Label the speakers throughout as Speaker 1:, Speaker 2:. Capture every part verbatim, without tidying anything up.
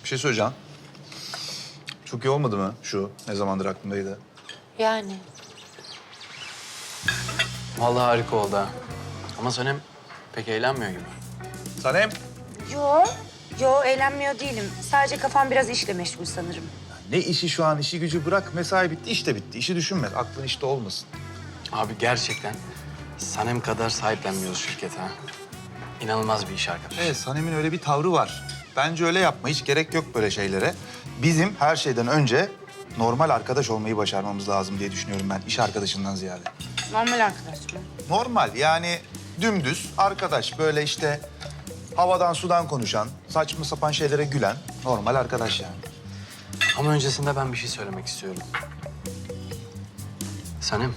Speaker 1: şey söyleyeceğim. Çok iyi olmadı mı şu? Ne zamandır aklımdaydı.
Speaker 2: Yani.
Speaker 3: Vallahi harika oldu ha. Ama Sanem pek eğlenmiyor gibi.
Speaker 1: Sanem.
Speaker 2: Yo, yo eğlenmiyor değilim. Sadece kafam biraz işle meşgul sanırım.
Speaker 1: Ne işi şu an? İşi gücü bırak. Mesai bitti, iş de bitti. İşi düşünme. Aklın işte olmasın.
Speaker 3: Abi gerçekten Sanem kadar sahiplenmiyoruz şirkete ha. İnanılmaz bir iş arkadaş.
Speaker 1: Evet, Sanem'in öyle bir tavrı var. Bence öyle yapma. Hiç gerek yok böyle şeylere. Bizim her şeyden önce normal arkadaş olmayı başarmamız lazım diye düşünüyorum ben. İş arkadaşından ziyade.
Speaker 2: Normal arkadaş mı?
Speaker 1: Normal yani dümdüz arkadaş. Böyle işte havadan sudan konuşan, saçma sapan şeylere gülen normal arkadaş yani.
Speaker 3: Ama öncesinde ben bir şey söylemek istiyorum. Sanem.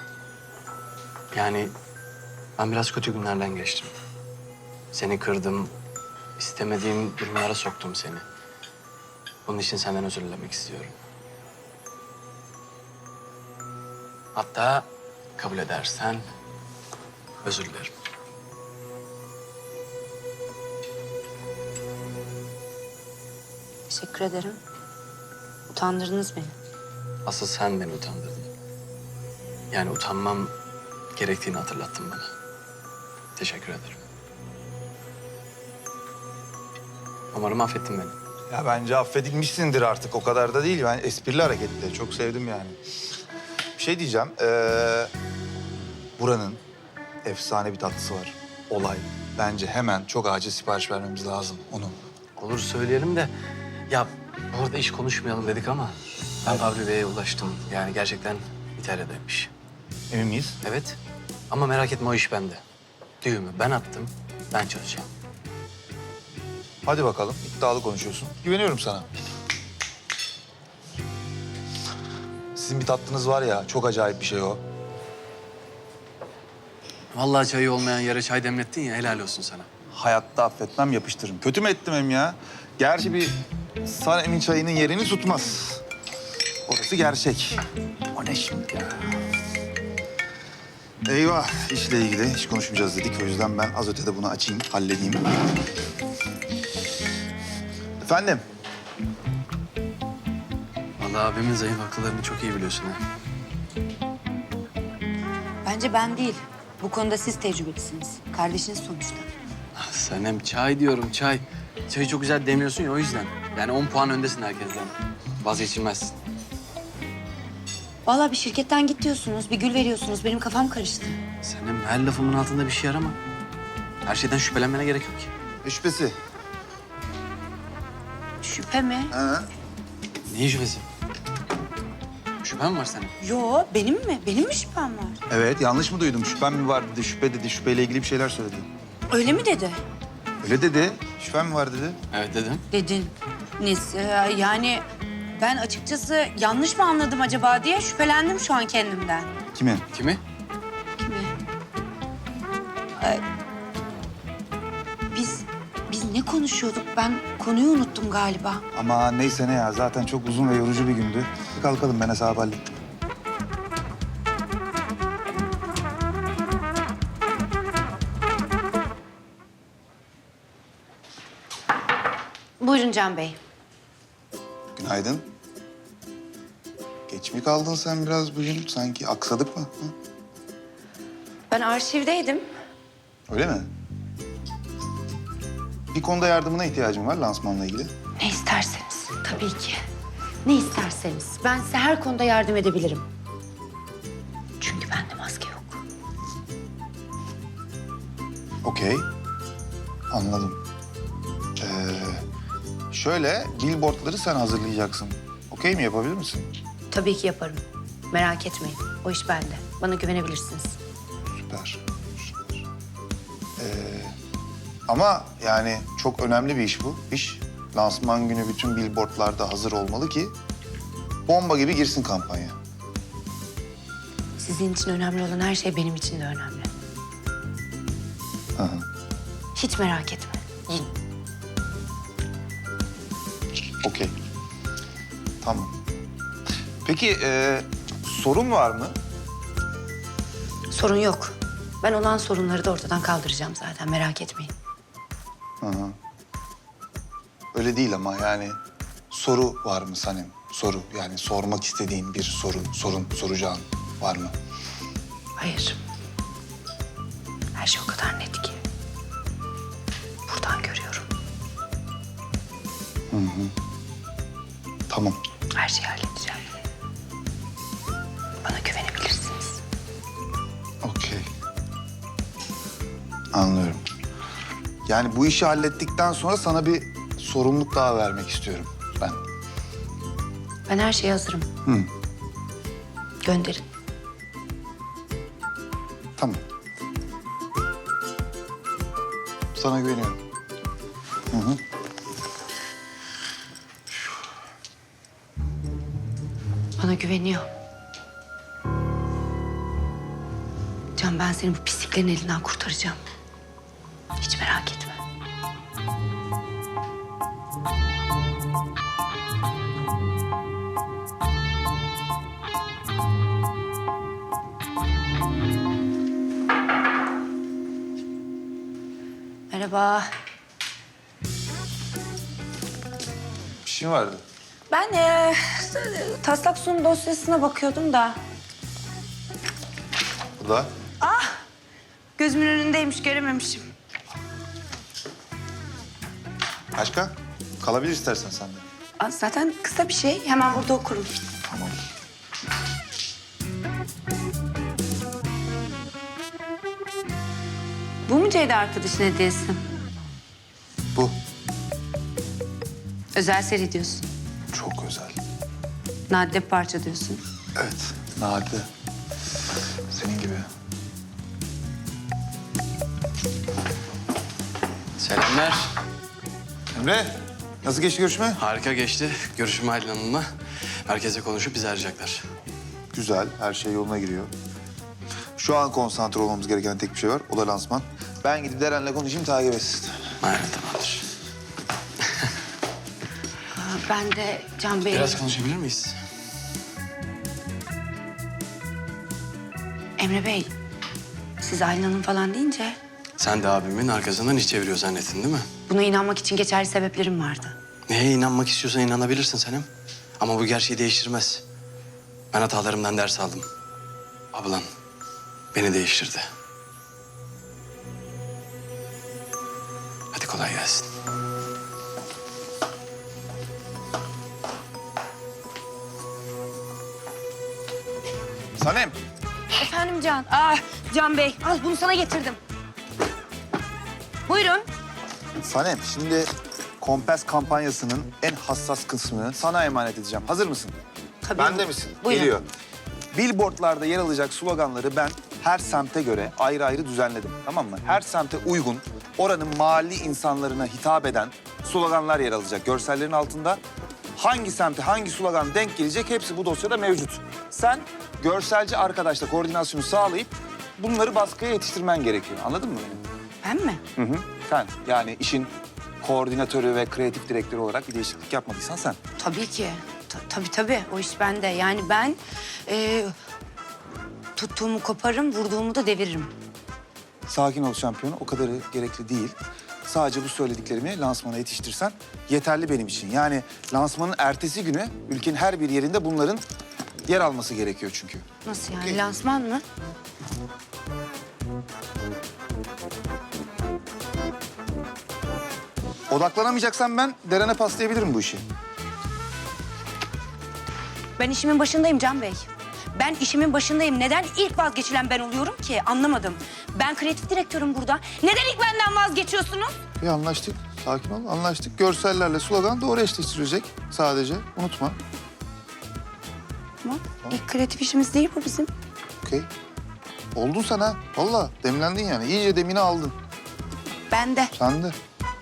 Speaker 3: Yani ben biraz kötü günlerden geçtim. Seni kırdım, istemediğim durumlara soktum seni. Bunun için senden özür dilemek istiyorum. Hatta kabul edersen özür dilerim.
Speaker 2: Teşekkür ederim. Utandırdınız beni.
Speaker 3: Asıl sen beni utandırdın. Yani utanmam gerektiğini hatırlattın bana. Teşekkür ederim. Umarım affettin beni.
Speaker 1: Ya bence affedilmişsindir artık. O kadar da değil. Ben esprili hareketti. Çok sevdim yani. Bir şey diyeceğim. Ee, buranın efsane bir tatlısı var. Olay. Bence hemen çok acil sipariş vermemiz lazım onun.
Speaker 3: Olur söyleyelim de ya bu arada iş konuşmayalım dedik ama ben Fabri Bey'e ulaştım. Yani gerçekten İtalya'daymış.
Speaker 1: Emin miyiz?
Speaker 3: Evet ama merak etme o iş bende. Düğümü ben attım, ben çözeceğim.
Speaker 1: Hadi bakalım. İddialı konuşuyorsun. Güveniyorum sana. Sizin bir tatlınız var ya, çok acayip bir şey o.
Speaker 3: Vallahi çayı olmayan yere çay demlettin ya helal olsun sana.
Speaker 1: Hayatta affetmem, yapıştırırım. Kötü mü ettim hem ya? Gerçi bir Sanem'in çayının yerini tutmaz. Orası gerçek. O ne şimdi ya? Eyvah, işle ilgili hiç konuşmayacağız dedik. O yüzden ben az ötede bunu açayım, halledeyim. Efendim?
Speaker 3: Vallahi abimin zayıf akıllarını çok iyi biliyorsun ha.
Speaker 2: Bence ben değil. Bu konuda siz tecrübelisiniz. Kardeşiniz sonuçta.
Speaker 3: Ah, Sanem çay diyorum çay. Çayı çok güzel demiyorsun ya o yüzden. Yani on puan öndesin herkesten. Vazgeçilmezsin.
Speaker 2: Vallahi bir şirketten git diyorsunuz, bir gül veriyorsunuz. Benim kafam karıştı.
Speaker 3: Sanem her lafımın altında bir şey arama. Her şeyden şüphelenmene gerek yok ki.
Speaker 1: Ne şüphesi?
Speaker 2: Şüphe mi?
Speaker 1: Ha?
Speaker 3: Neyin şüphesi? Şüphen var senin.
Speaker 2: Yo, benim mi? Benim mi şüphem var?
Speaker 1: Evet, yanlış mı duydum? Şüphem mi var dedi, şüphe dedi. Şüpheyle ilgili bir şeyler söyledi.
Speaker 2: Öyle mi dedi?
Speaker 1: Öyle dedi. Şüphem mi var dedi.
Speaker 3: Evet dedim.
Speaker 2: Dedin. Nis, e, yani ben açıkçası yanlış mı anladım acaba diye şüphelendim şu an kendimden.
Speaker 1: Kimin?
Speaker 3: Kimi?
Speaker 2: Kimi? Ee, biz, biz ne konuşuyorduk? Ben konuyu unuttum galiba.
Speaker 1: Ama neyse ne ya. Zaten çok uzun ve yorucu bir gündü. Kalkalım, ben hesabı hallettim.
Speaker 2: Buyurun Can Bey.
Speaker 1: Günaydın. Geç mi kaldın sen biraz bugün? Sanki aksadık mı? Hı?
Speaker 2: Ben arşivdeydim.
Speaker 1: Öyle mi? Bir konuda yardımına ihtiyacım var lansmanla ilgili.
Speaker 2: Ne isterseniz. Tabii ki. Ne isterseniz. Ben size her konuda yardım edebilirim. Çünkü bende maske yok.
Speaker 1: Okey. Anladım. Ee, şöyle, billboardları sen hazırlayacaksın. Okey mi, yapabilir misin?
Speaker 2: Tabii ki yaparım. Merak etmeyin. O iş bende. Bana güvenebilirsiniz.
Speaker 1: Süper. Süper. Ee, ama yani çok önemli bir iş bu. İş. Lansman günü bütün billboardlarda hazır olmalı ki bomba gibi girsin kampanya.
Speaker 2: Sizin için önemli olan her şey benim için de önemli.
Speaker 1: Hı hı.
Speaker 2: Hiç merak etme. Yiyin.
Speaker 1: Okey. Tamam. Peki e, sorun var mı?
Speaker 2: Sorun yok. Ben olan sorunları da ortadan kaldıracağım zaten. Merak etmeyin.
Speaker 1: Hı hı. öyle değil ama yani soru var mı Sanem? Soru yani sormak istediğin bir soru, sorun soracağın var mı?
Speaker 2: Hayır. Her şey o kadar net ki. Buradan görüyorum.
Speaker 1: Tamam.
Speaker 2: Her şeyi halledeceğim. Bana güvenebilirsiniz.
Speaker 1: Okey. Anlıyorum. Yani bu işi hallettikten sonra sana bir sorumluluk daha vermek istiyorum ben.
Speaker 2: Ben her şeye hazırım.
Speaker 1: Hı.
Speaker 2: Gönderin.
Speaker 1: Tamam. Sana güveniyorum. Hı hı.
Speaker 2: Bana güveniyor. Can, ben seni bu pisliklerin elinden kurtaracağım. Hiç merak etme. Merhaba.
Speaker 1: Bir şey vardı.
Speaker 2: Ben e, taslak sunum dosyasına bakıyordum da.
Speaker 1: Bu da.
Speaker 2: Gözümün önündeymiş, görememişim.
Speaker 1: Başka? Kalabilir istersen sen de.
Speaker 2: Aa, zaten kısa bir şey. Hemen burada okurum.
Speaker 1: Tamam.
Speaker 2: Bu mu Ceyda arkadaşın hediyesi?
Speaker 1: Bu.
Speaker 2: Özel seri diyorsun.
Speaker 1: Çok özel.
Speaker 2: Nadide bir parça diyorsun.
Speaker 1: Evet. Nadide. Senin gibi.
Speaker 3: Selamlar.
Speaker 1: Emre, nasıl geçti görüşme?
Speaker 3: Harika geçti. Görüşüm Aylin Hanım'la. Merkeze konuşup bizi arayacaklar.
Speaker 1: Güzel, her şey yoluna giriyor. Şu an konsantre olmamız gereken tek bir şey var, o da lansman. Ben gidip Deren'le konuşayım, takip etsin.
Speaker 3: Aynen, tamamdır.
Speaker 2: Aa, ben de Can Bey'e...
Speaker 3: Biraz konuşabilir miyiz?
Speaker 2: Emre Bey, siz Aylin Hanım falan deyince...
Speaker 3: Sen de abimin arkasından iş çeviriyor zannettin değil mi?
Speaker 2: Buna inanmak için geçerli sebeplerim vardı.
Speaker 3: Neye inanmak istiyorsan inanabilirsin Senem. Ama bu gerçeği değiştirmez. Ben hatalarımdan ders aldım. Ablan beni değiştirdi. Hadi kolay gelsin.
Speaker 1: Sanem.
Speaker 2: Efendim Can. Aa, Can Bey, al bunu sana getirdim. Buyurun.
Speaker 1: Sanem, şimdi Kompas kampanyasının en hassas kısmını sana emanet edeceğim. Hazır mısın?
Speaker 2: Tabii.
Speaker 1: Bende misin?
Speaker 2: Buyurun.
Speaker 1: Geliyor. Billboardlarda yer alacak sloganları ben her semte göre ayrı ayrı düzenledim. Tamam mı? Her semte uygun, oranın mahalli insanlarına hitap eden sloganlar yer alacak. Görsellerin altında hangi semte hangi slogan denk gelecek hepsi bu dosyada mevcut. Sen görselci arkadaşla koordinasyonu sağlayıp bunları baskıya yetiştirmen gerekiyor. Anladın mı beni?
Speaker 2: Ben mi?
Speaker 1: Hı hı. Sen yani işin koordinatörü ve kreatif direktörü olarak bir değişiklik yapmadıysan sen.
Speaker 2: Tabii ki. Ta- tabii tabii. O iş bende. Yani ben e, tuttuğumu koparırım, vurduğumu da deviririm.
Speaker 1: Sakin ol şampiyonu, o kadarı gerekli değil. Sadece bu söylediklerimi lansmana yetiştirsen yeterli benim için. Yani lansmanın ertesi günü ülkenin her bir yerinde bunların yer alması gerekiyor çünkü.
Speaker 2: Nasıl yani?
Speaker 1: Okey.
Speaker 2: Lansman mı?
Speaker 1: Odaklanamayacaksan ben Deren'e paslayabilirim bu işi.
Speaker 2: Ben işimin başındayım Can Bey. Ben işimin başındayım. Neden ilk vazgeçilen ben oluyorum ki? Anlamadım. Ben kreatif direktörüm burada. Neden ilk benden vazgeçiyorsunuz?
Speaker 1: Bir anlaştık. Sakin ol, anlaştık. Görsellerle slogan doğru eşleştirilecek sadece. Unutma.
Speaker 2: Tamam. İlk kreatif işimiz değil bu bizim.
Speaker 1: Okey. Oldun sen ha. Vallahi demlendin yani. İyice demini aldın.
Speaker 2: Ben de.
Speaker 1: Sen de.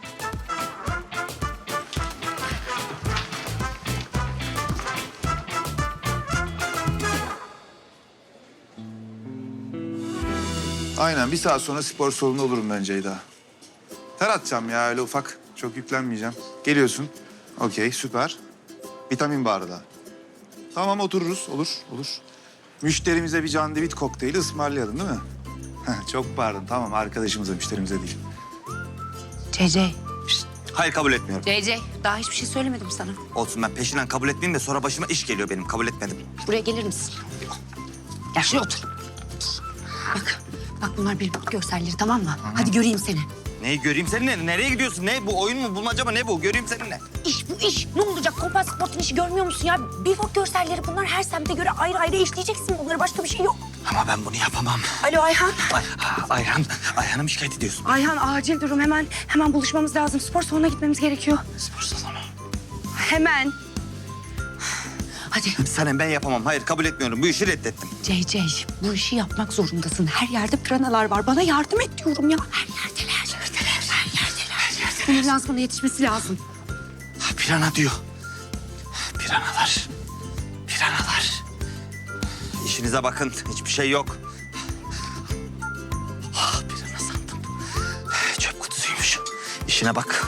Speaker 1: Aynen. Bir saat sonra spor salonunda olurum ben Ceyda. Ter atacağım ya öyle ufak. Çok yüklenmeyeceğim. Geliyorsun. Okey süper. Vitamin barı da. Tamam otururuz. Olur, olur. Müşterimize bir candivit kokteyli ısmarlayalım değil mi? Heh, çok pardon. Tamam arkadaşımıza, müşterimize değil.
Speaker 2: C C.
Speaker 1: Şişt,
Speaker 4: Hayır kabul etmiyorum.
Speaker 2: C C daha hiçbir şey söylemedim sana.
Speaker 4: Olsun ben peşinden kabul etmeyeyim de sonra başıma iş geliyor benim. Kabul etmedim.
Speaker 2: Buraya gelir misin? Gel şuraya otur. Bak, bak bunlar bir görselleri tamam mı? Hadi göreyim seni.
Speaker 4: Neyi göreyim seninle? Nereye gidiyorsun? Ne bu? Oyun mu? Bulmaca mı? Ne bu? Göreyim seninle.
Speaker 2: İş bu iş. Ne olacak? Kompas Sport'un işi görmüyor musun ya? Billboard görselleri bunlar her semte göre ayrı ayrı işleyeceksin. Bunlara başka bir şey yok.
Speaker 4: Ama ben bunu yapamam.
Speaker 2: Alo Ayhan.
Speaker 4: Ay, Ayhan, Ayhan'ı mı şikayet ediyorsun?
Speaker 2: Ayhan acil durum hemen hemen buluşmamız lazım. Spor salonuna gitmemiz gerekiyor.
Speaker 4: Spor salonu.
Speaker 2: Hemen. Hadi
Speaker 4: Sanem ben yapamam. Hayır kabul etmiyorum. Bu işi reddettim.
Speaker 2: C C bu işi yapmak zorundasın. Her yerde piranalar var. Bana yardım et diyorum ya. Her yerdeler. Yerdeler. Her yerdeler. Her yerdeler. Bunun lansmana yetişmesi lazım.
Speaker 4: Ha, pirana diyor. Piranalar. Piranalar. İşinize bakın. Hiçbir şey yok. Ah, pirana sandım. Çöp kutusuymuş. İşine bak.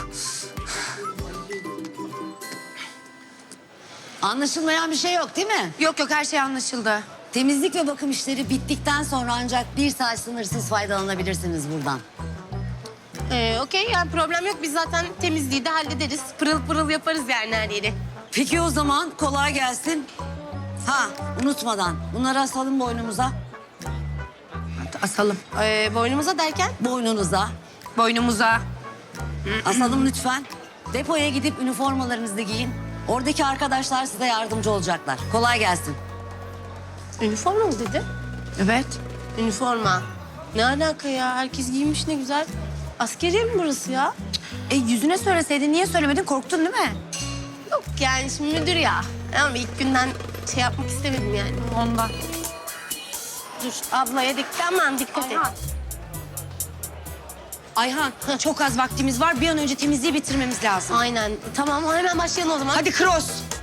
Speaker 5: Anlaşılmayan bir şey yok değil mi?
Speaker 2: Yok yok her şey anlaşıldı.
Speaker 5: Temizlik ve bakım işleri bittikten sonra ancak bir saat sınırsız faydalanabilirsiniz buradan.
Speaker 6: Ee, Okey yani problem yok. Biz zaten temizliği de hallederiz. Pırıl pırıl yaparız yani her yeri.
Speaker 5: Peki o zaman kolay gelsin. Ha unutmadan bunları asalım boynumuza,
Speaker 2: Asalım.
Speaker 6: Ee, boynumuza derken?
Speaker 5: boynunuza.
Speaker 2: Boynumuza.
Speaker 5: Asalım lütfen. Depoya gidip üniformalarınızı giyin. Oradaki arkadaşlar size yardımcı olacaklar. Kolay gelsin.
Speaker 6: Üniforma mı dedi?
Speaker 2: Evet.
Speaker 6: Üniforma. Ne alaka ya? Herkes giymiş ne güzel. Askeriye mi burası ya?
Speaker 2: E yüzüne söyleseydin niye söylemedin? Korktun değil mi?
Speaker 6: Yok yani şimdi müdür ya. Ama ilk günden şey yapmak istemedim yani.
Speaker 2: Ondan.
Speaker 6: Dur ablaya dikkat aman dikkat et.
Speaker 2: Ayhan çok az vaktimiz var. Bir an önce temizliği bitirmemiz lazım.
Speaker 6: Aynen. Tamam hemen başlayalım o zaman.
Speaker 2: Hadi cross.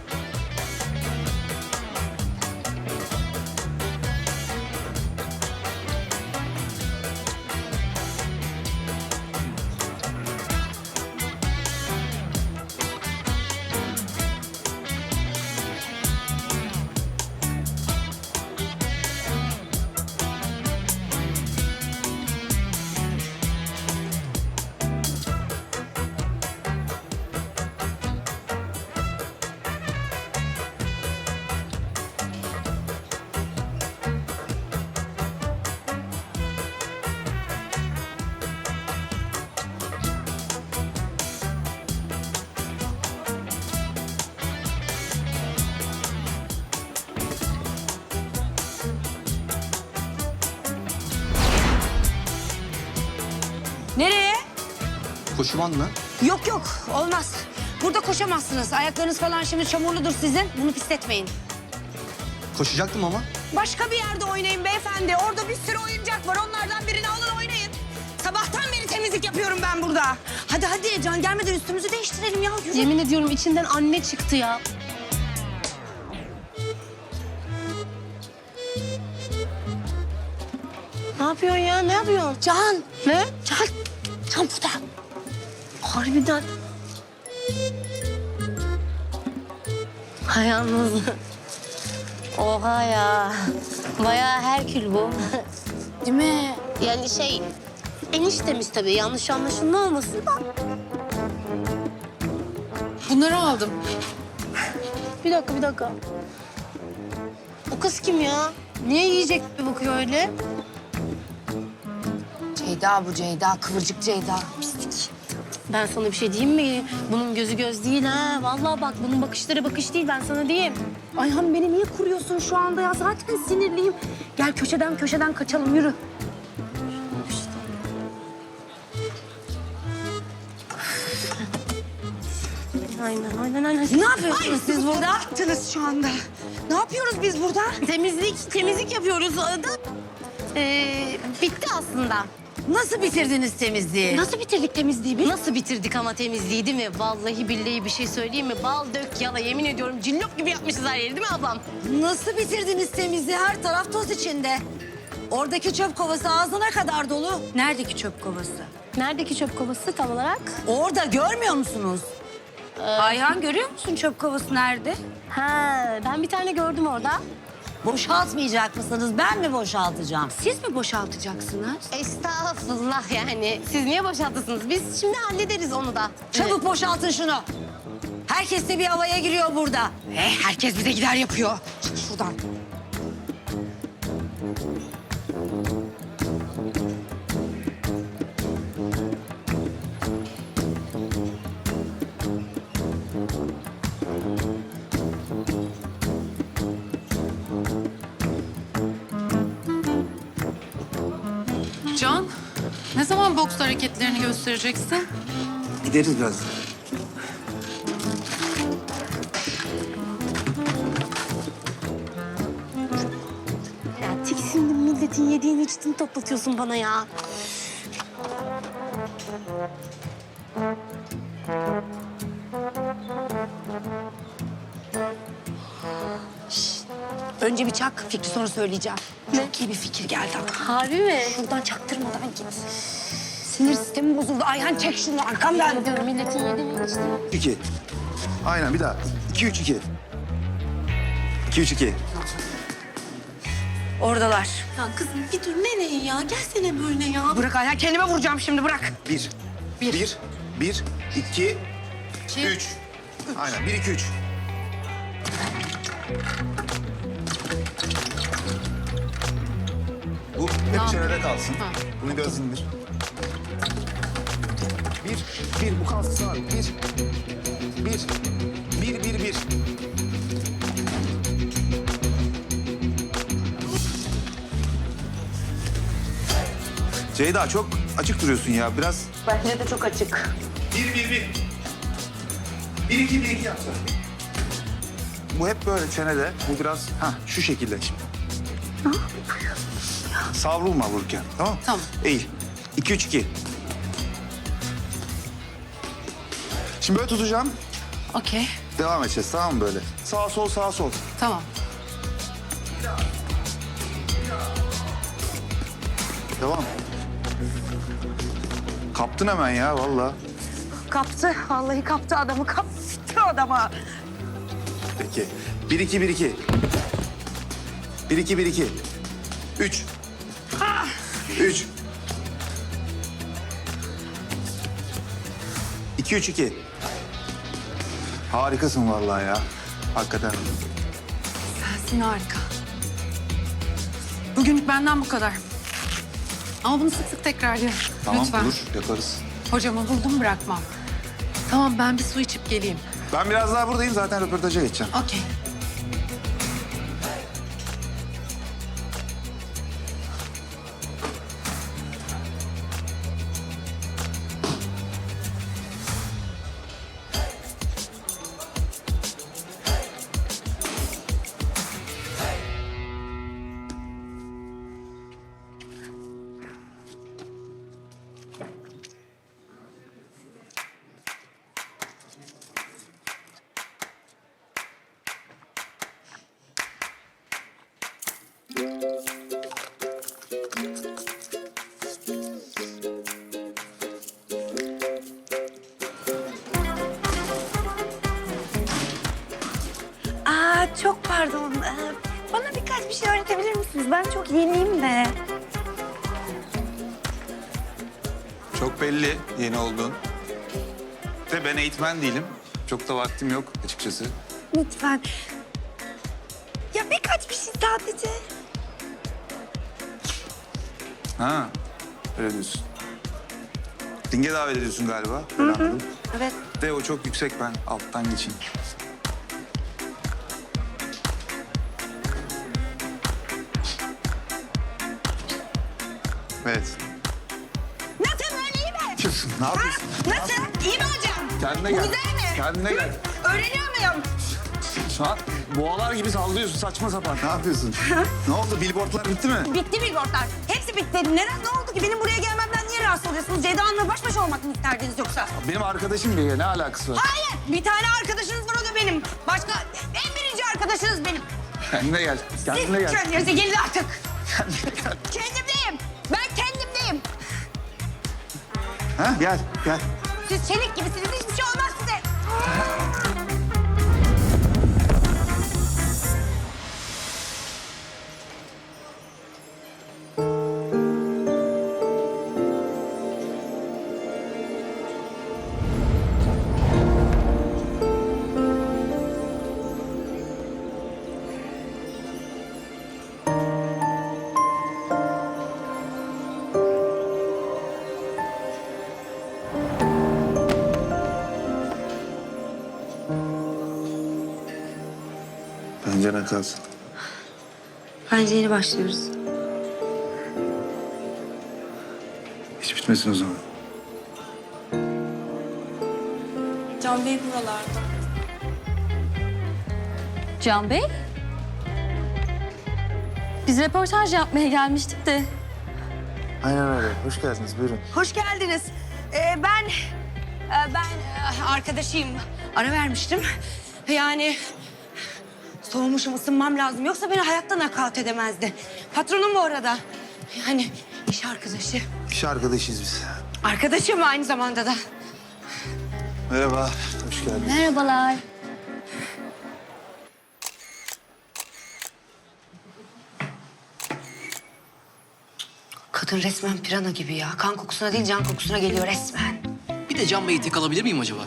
Speaker 2: Nereye?
Speaker 4: Koşuman mı?
Speaker 2: Yok yok olmaz. Burada koşamazsınız. Ayaklarınız falan şimdi çamurludur sizin. Bunu pisletmeyin.
Speaker 4: Koşacaktım ama.
Speaker 2: Başka bir yerde oynayın beyefendi. Orada bir sürü oyuncak var. Onlardan birini alın oynayın. Sabahtan beri temizlik yapıyorum ben burada. Hadi hadi Can gelmeden üstümüzü değiştirelim ya. Yürü.
Speaker 6: Yemin ediyorum içinden anne çıktı ya. Ne yapıyorsun ya? Ne yapıyorsun?
Speaker 2: Can.
Speaker 6: Ne?
Speaker 2: Can. Can burada.
Speaker 6: Harbiden. Ha yalnız. Oha ya. Bayağı Herkül bu.
Speaker 2: Değil mi?
Speaker 6: Yani şey eniştemiz tabii yanlış anlaşılma olmasın da.
Speaker 2: Bunları aldım.
Speaker 6: Bir dakika bir dakika. O kız kim ya? Niye yiyecek gibi bakıyor öyle?
Speaker 2: Ceyda bu Ceyda. Kıvırcık Ceyda.
Speaker 6: Pislik. Ben sana bir şey diyeyim mi? Bunun gözü göz değil ha. Vallahi bak bunun bakışları bakış değil ben sana diyeyim.
Speaker 2: Ayhan beni niye kuruyorsun şu anda ya? Zaten sinirliyim. Gel köşeden köşeden kaçalım yürü.
Speaker 6: Aynen aynen aynen.
Speaker 2: Ne yapıyorsunuz siz burada? Attınız şu anda. Ne yapıyoruz biz burada?
Speaker 6: Temizlik temizlik yapıyoruz. Da, ee, bitti aslında.
Speaker 5: Nasıl bitirdiniz temizliği?
Speaker 6: Nasıl bitirdik temizliği biz? Nasıl bitirdik ama temizliği değil mi? Vallahi billahi bir şey söyleyeyim mi? Bal dök yala yemin ediyorum cillop gibi yapmışız her yeri değil mi ablam?
Speaker 5: Nasıl bitirdiniz temizliği? Her taraf toz içinde. Oradaki çöp kovası ağzına kadar dolu.
Speaker 2: Neredeki çöp kovası?
Speaker 6: Neredeki çöp kovası tam olarak?
Speaker 5: Orada görmüyor musunuz?
Speaker 2: Ayhan görüyor musun çöp kovası nerede?
Speaker 6: Ha ben bir tane gördüm orada.
Speaker 5: Boşaltmayacak mısınız? Ben mi boşaltacağım?
Speaker 2: Siz mi boşaltacaksınız?
Speaker 6: Estağfurullah yani. Siz niye boşaltırsınız? Biz şimdi hallederiz onu da.
Speaker 5: Çabuk boşaltın şunu. Herkes de bir havaya giriyor burada.
Speaker 2: Eh, herkes bize gider yapıyor. Çık şuradan.
Speaker 7: Can, ne zaman boks hareketlerini göstereceksin?
Speaker 4: Gideriz biraz.
Speaker 6: Ya tiksindim, milletin yediğini içtiğini toplatıyorsun bana ya.
Speaker 2: Önce bir çak, fikri sonra söyleyeceğim. Çok iyi bir fikir geldi aklıma.
Speaker 6: Harbi mi?
Speaker 2: Buradan çaktırmadan git. Sinir sistemi bozuldu. Ayhan çek şunu arkamdan.
Speaker 6: Diyorum milletin yediğini içtiğini.
Speaker 4: İki. Aynen bir daha. İki, üç, iki. İki, üç, iki.
Speaker 2: Oradalar.
Speaker 6: Ya kızım bir dur nereye ya? Gelsene böyle ya.
Speaker 2: Bırak Ayhan, kendime vuracağım şimdi bırak.
Speaker 4: Bir. Bir. Bir. Bir. iki,
Speaker 7: İki.
Speaker 4: Üç. Aynen. Bir, iki, üç. Bu hep çenede kalsın.
Speaker 7: Ha.
Speaker 4: Bunu biraz indir. Bir. Bir. Bu kalsın abi. Bir. Bir. Bir, bir, bir. Ceyda çok açık duruyorsun ya. Biraz
Speaker 2: Bence de çok açık.
Speaker 4: Bir, bir, bir. Bir, iki, bir, iki yapsa. Bu hep böyle çenede. Bu biraz ha şu şekilde şimdi. Savrulma vururken. Tamam.
Speaker 7: Tamam.
Speaker 4: Eğil. İki, üç, iki. Şimdi böyle tutacağım.
Speaker 7: Okey,
Speaker 4: Devam edeceğiz tamam mı böyle? Sağ sol sağ sol.
Speaker 7: tamam.
Speaker 4: Devam. Kaptın hemen ya vallahi.
Speaker 2: Kaptı. Vallahi kaptı adamı. Kaptı adama.
Speaker 4: Peki. Bir, iki, bir, iki. Bir, iki, bir, iki. Üç. Üç. İki, üç, iki. Harikasın vallahi ya. Hakikaten.
Speaker 7: Sensin harika. Bugünlük benden bu kadar. Ama bunu sık sık tekrarlayalım.
Speaker 4: Tamam
Speaker 7: Lütfen.
Speaker 4: olur yaparız.
Speaker 7: Hocamı buldum bırakmam. Tamam ben bir su içip geleyim.
Speaker 4: Ben biraz daha buradayım zaten röportaja geçeceğim.
Speaker 7: Okey.
Speaker 2: Aa, çok pardon. Ee, bana birkaç bir şey öğretebilir misiniz? Ben çok yeniyim de.
Speaker 1: Çok belli yeni olduğun. De ben eğitmen değilim. Çok da vaktim yok açıkçası.
Speaker 2: Lütfen. Ya birkaç bir şey sadece.
Speaker 1: Ha, öyle diyorsun. Ringe davet ediyorsun galiba. Öyle anladım.
Speaker 2: Evet.
Speaker 1: De o çok yüksek, ben alttan geçeyim. Evet.
Speaker 2: Nasıl böyle iyi mi?
Speaker 1: Diyorsun, ne yapıyorsun?
Speaker 2: Nasıl? İyi mi hocam?
Speaker 1: Kendine
Speaker 2: Bu
Speaker 1: gel.
Speaker 2: güzel mi?
Speaker 1: Kendine gel.
Speaker 2: Öğreniyor muyum?
Speaker 1: Şu an boğalar gibi sallıyorsun saçma sapan. Ne yapıyorsun? Ne oldu? Billboardlar bitti mi?
Speaker 2: Bitti billboardlar. Hepsi bitti. Neden? Ne oldu ki? Benim buraya gelmemden niye rahatsız oluyorsunuz? Ceyda Hanım'la baş başa olmak mı isterdiniz yoksa?
Speaker 1: Benim arkadaşım diye ne alakası var?
Speaker 2: Hayır. Bir tane arkadaşınız var, o da benim. Başka en birinci arkadaşınız benim.
Speaker 1: Kendine gel. Kendine
Speaker 2: Siz
Speaker 1: gel.
Speaker 2: kendinize gelin artık.
Speaker 1: Kendine gel.
Speaker 2: Kendimdeyim. Ben kendimdeyim.
Speaker 4: Ha gel gel.
Speaker 2: Siz çelik gibisiniz. Hiçbir şey olmaz size.
Speaker 4: Bence ne kalsın.
Speaker 2: Bence yeni başlıyoruz.
Speaker 4: Hiç bitmesin o zaman.
Speaker 7: Can Bey buralarda.
Speaker 8: Can Bey? Biz röportaj yapmaya gelmiştik de.
Speaker 4: Aynen öyle. Hoş geldiniz. Buyurun.
Speaker 2: Hoş geldiniz. Ee, ben, e, ben e, arkadaşıyım. Ara vermiştim. Yani soğumuşum, ısınmam lazım. Yoksa beni hayatta nakavt edemezdi. Patronum bu arada. Yani iş arkadaşı.
Speaker 4: İş arkadaşıyız biz.
Speaker 2: Arkadaşım aynı zamanda da.
Speaker 4: Merhaba. Hoş geldiniz.
Speaker 8: Merhabalar.
Speaker 2: Kadın resmen pirana gibi ya. Kan kokusuna değil, can kokusuna geliyor resmen.
Speaker 3: Bir de Can Bey'i tek alabilir miyim acaba?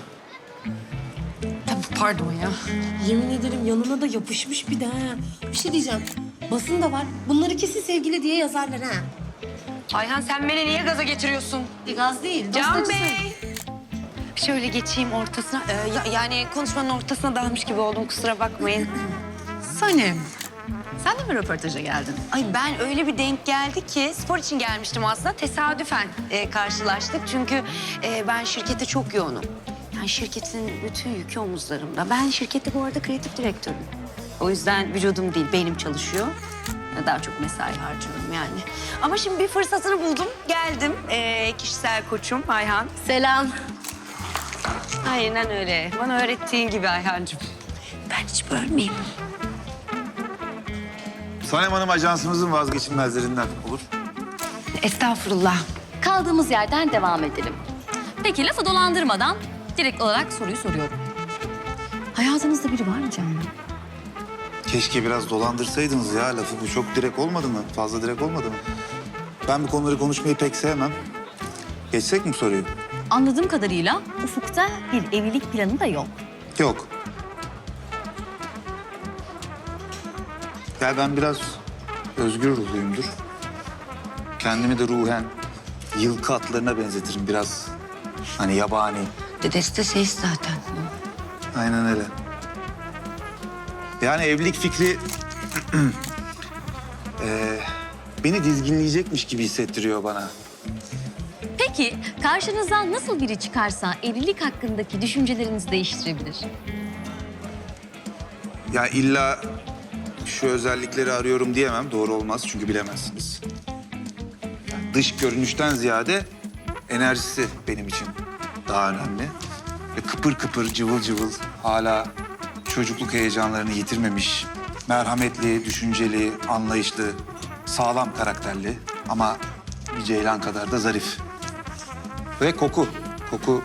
Speaker 7: Tabii pardon ya. Yemin ederim yanına da yapışmış bir de ha. Bir şey diyeceğim. Basın da var. Bunları kesin sevgili diye yazarlar ha.
Speaker 2: Ayhan sen beni niye gaza getiriyorsun?
Speaker 7: Bir gaz değil.
Speaker 2: Can
Speaker 7: dostacısın.
Speaker 2: Bey. Şöyle geçeyim ortasına. Ee, ya- yani konuşmanın ortasına dalmış gibi oldum, kusura bakmayın.
Speaker 7: Sanem. Sen de mi röportaja geldin?
Speaker 2: Ay ben öyle bir denk geldi ki spor için gelmiştim aslında. Tesadüfen e, karşılaştık. Çünkü e, ben şirkette çok yoğunum. Yani şirketin bütün yükü omuzlarımda. Ben şirkette bu arada kreatif direktörüm. O yüzden vücudum değil, beynim çalışıyor. Daha çok mesai harcıyorum yani. Ama şimdi bir fırsatını buldum, geldim. E, kişisel koçum Ayhan.
Speaker 8: Selam.
Speaker 2: Aynen öyle. Bana öğrettiğin gibi Ayhancığım. Ben hiç bölmeyeyim.
Speaker 4: Sanem Hanım ajansımızın vazgeçilmezlerinden olur.
Speaker 2: Estağfurullah.
Speaker 8: Kaldığımız yerden devam edelim. Peki lafı dolandırmadan direkt olarak soruyu soruyorum. Hayatınızda biri var mı Can Bey?
Speaker 4: Keşke biraz dolandırsaydınız ya lafı. Bu çok direkt olmadı mı? Fazla direkt olmadı mı? Ben bu konuları konuşmayı pek sevmem. Geçsek mi soruyu?
Speaker 8: Anladığım kadarıyla ufukta bir evlilik planı da yok.
Speaker 4: Yok. Ya ben biraz özgür ruhluyumdur. Kendimi de ruhen yılkı atlarına benzetirim biraz. Hani yabani.
Speaker 2: Dedesi de ses zaten.
Speaker 4: Aynen öyle. Yani evlilik fikri eee, beni dizginleyecekmiş gibi hissettiriyor bana.
Speaker 8: Peki karşınıza nasıl biri çıkarsa evlilik hakkındaki düşüncelerinizi değiştirebilir?
Speaker 4: Ya illa şu özellikleri arıyorum diyemem. Doğru olmaz çünkü bilemezsiniz. Yani dış görünüşten ziyade enerjisi benim için daha önemli. Ve kıpır kıpır, cıvıl cıvıl, hala çocukluk heyecanlarını yitirmemiş, merhametli, düşünceli, anlayışlı, sağlam karakterli ama bir ceylan kadar da zarif. Ve koku. Koku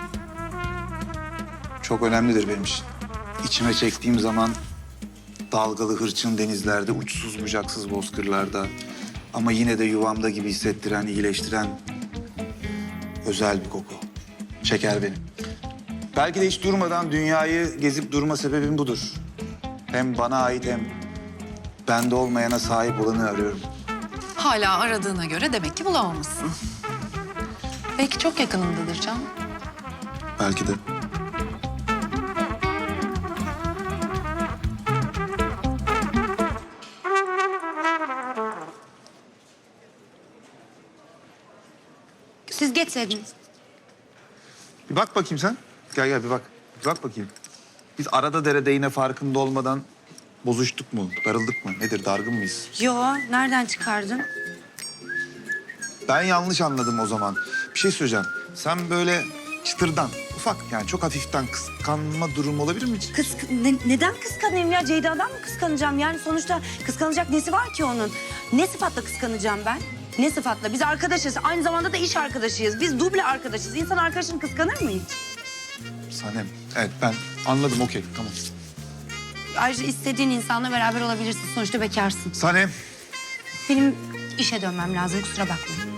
Speaker 4: çok önemlidir benim için. İçime çektiğim zaman dalgalı hırçın denizlerde, uçsuz bucaksız bozkırlarda ama yine de yuvamda gibi hissettiren, iyileştiren özel bir koku. Çeker beni. Belki de hiç durmadan dünyayı gezip durma sebebim budur. Hem bana ait hem bende olmayana sahip olanı arıyorum.
Speaker 7: Hala aradığına göre demek ki bulamamışsın. Belki çok yakınındadır Can.
Speaker 4: Belki de.
Speaker 2: Siz geçseydiniz.
Speaker 4: Bir bak bakayım sen. Gel gel bir bak. Bir bak bakayım. Biz arada derede yine farkında olmadan bozuştuk mu? Darıldık mı? Nedir? Dargın mıyız?
Speaker 2: Yo, nereden çıkardın?
Speaker 4: Ben yanlış anladım o zaman. Bir şey söyleyeceğim. Sen böyle çıtırdan, ufak yani çok hafiften kıskanma durumu olabilir mi?
Speaker 2: Kısk ne- neden kıskanayım ya? Ceyda'dan mı kıskanacağım? Yani sonuçta kıskanacak nesi var ki onun? Ne sıfatla kıskanacağım ben? Ne sıfatla? Biz arkadaşız. Aynı zamanda da iş arkadaşıyız. Biz duble arkadaşız. İnsan arkadaşını kıskanır mı hiç?
Speaker 4: Sanem. Evet ben anladım okey tamam.
Speaker 2: Ayrıca istediğin insanla beraber olabilirsin. Sonuçta bekarsın.
Speaker 4: Sanem.
Speaker 2: Benim işe dönmem lazım. Kusura bakma.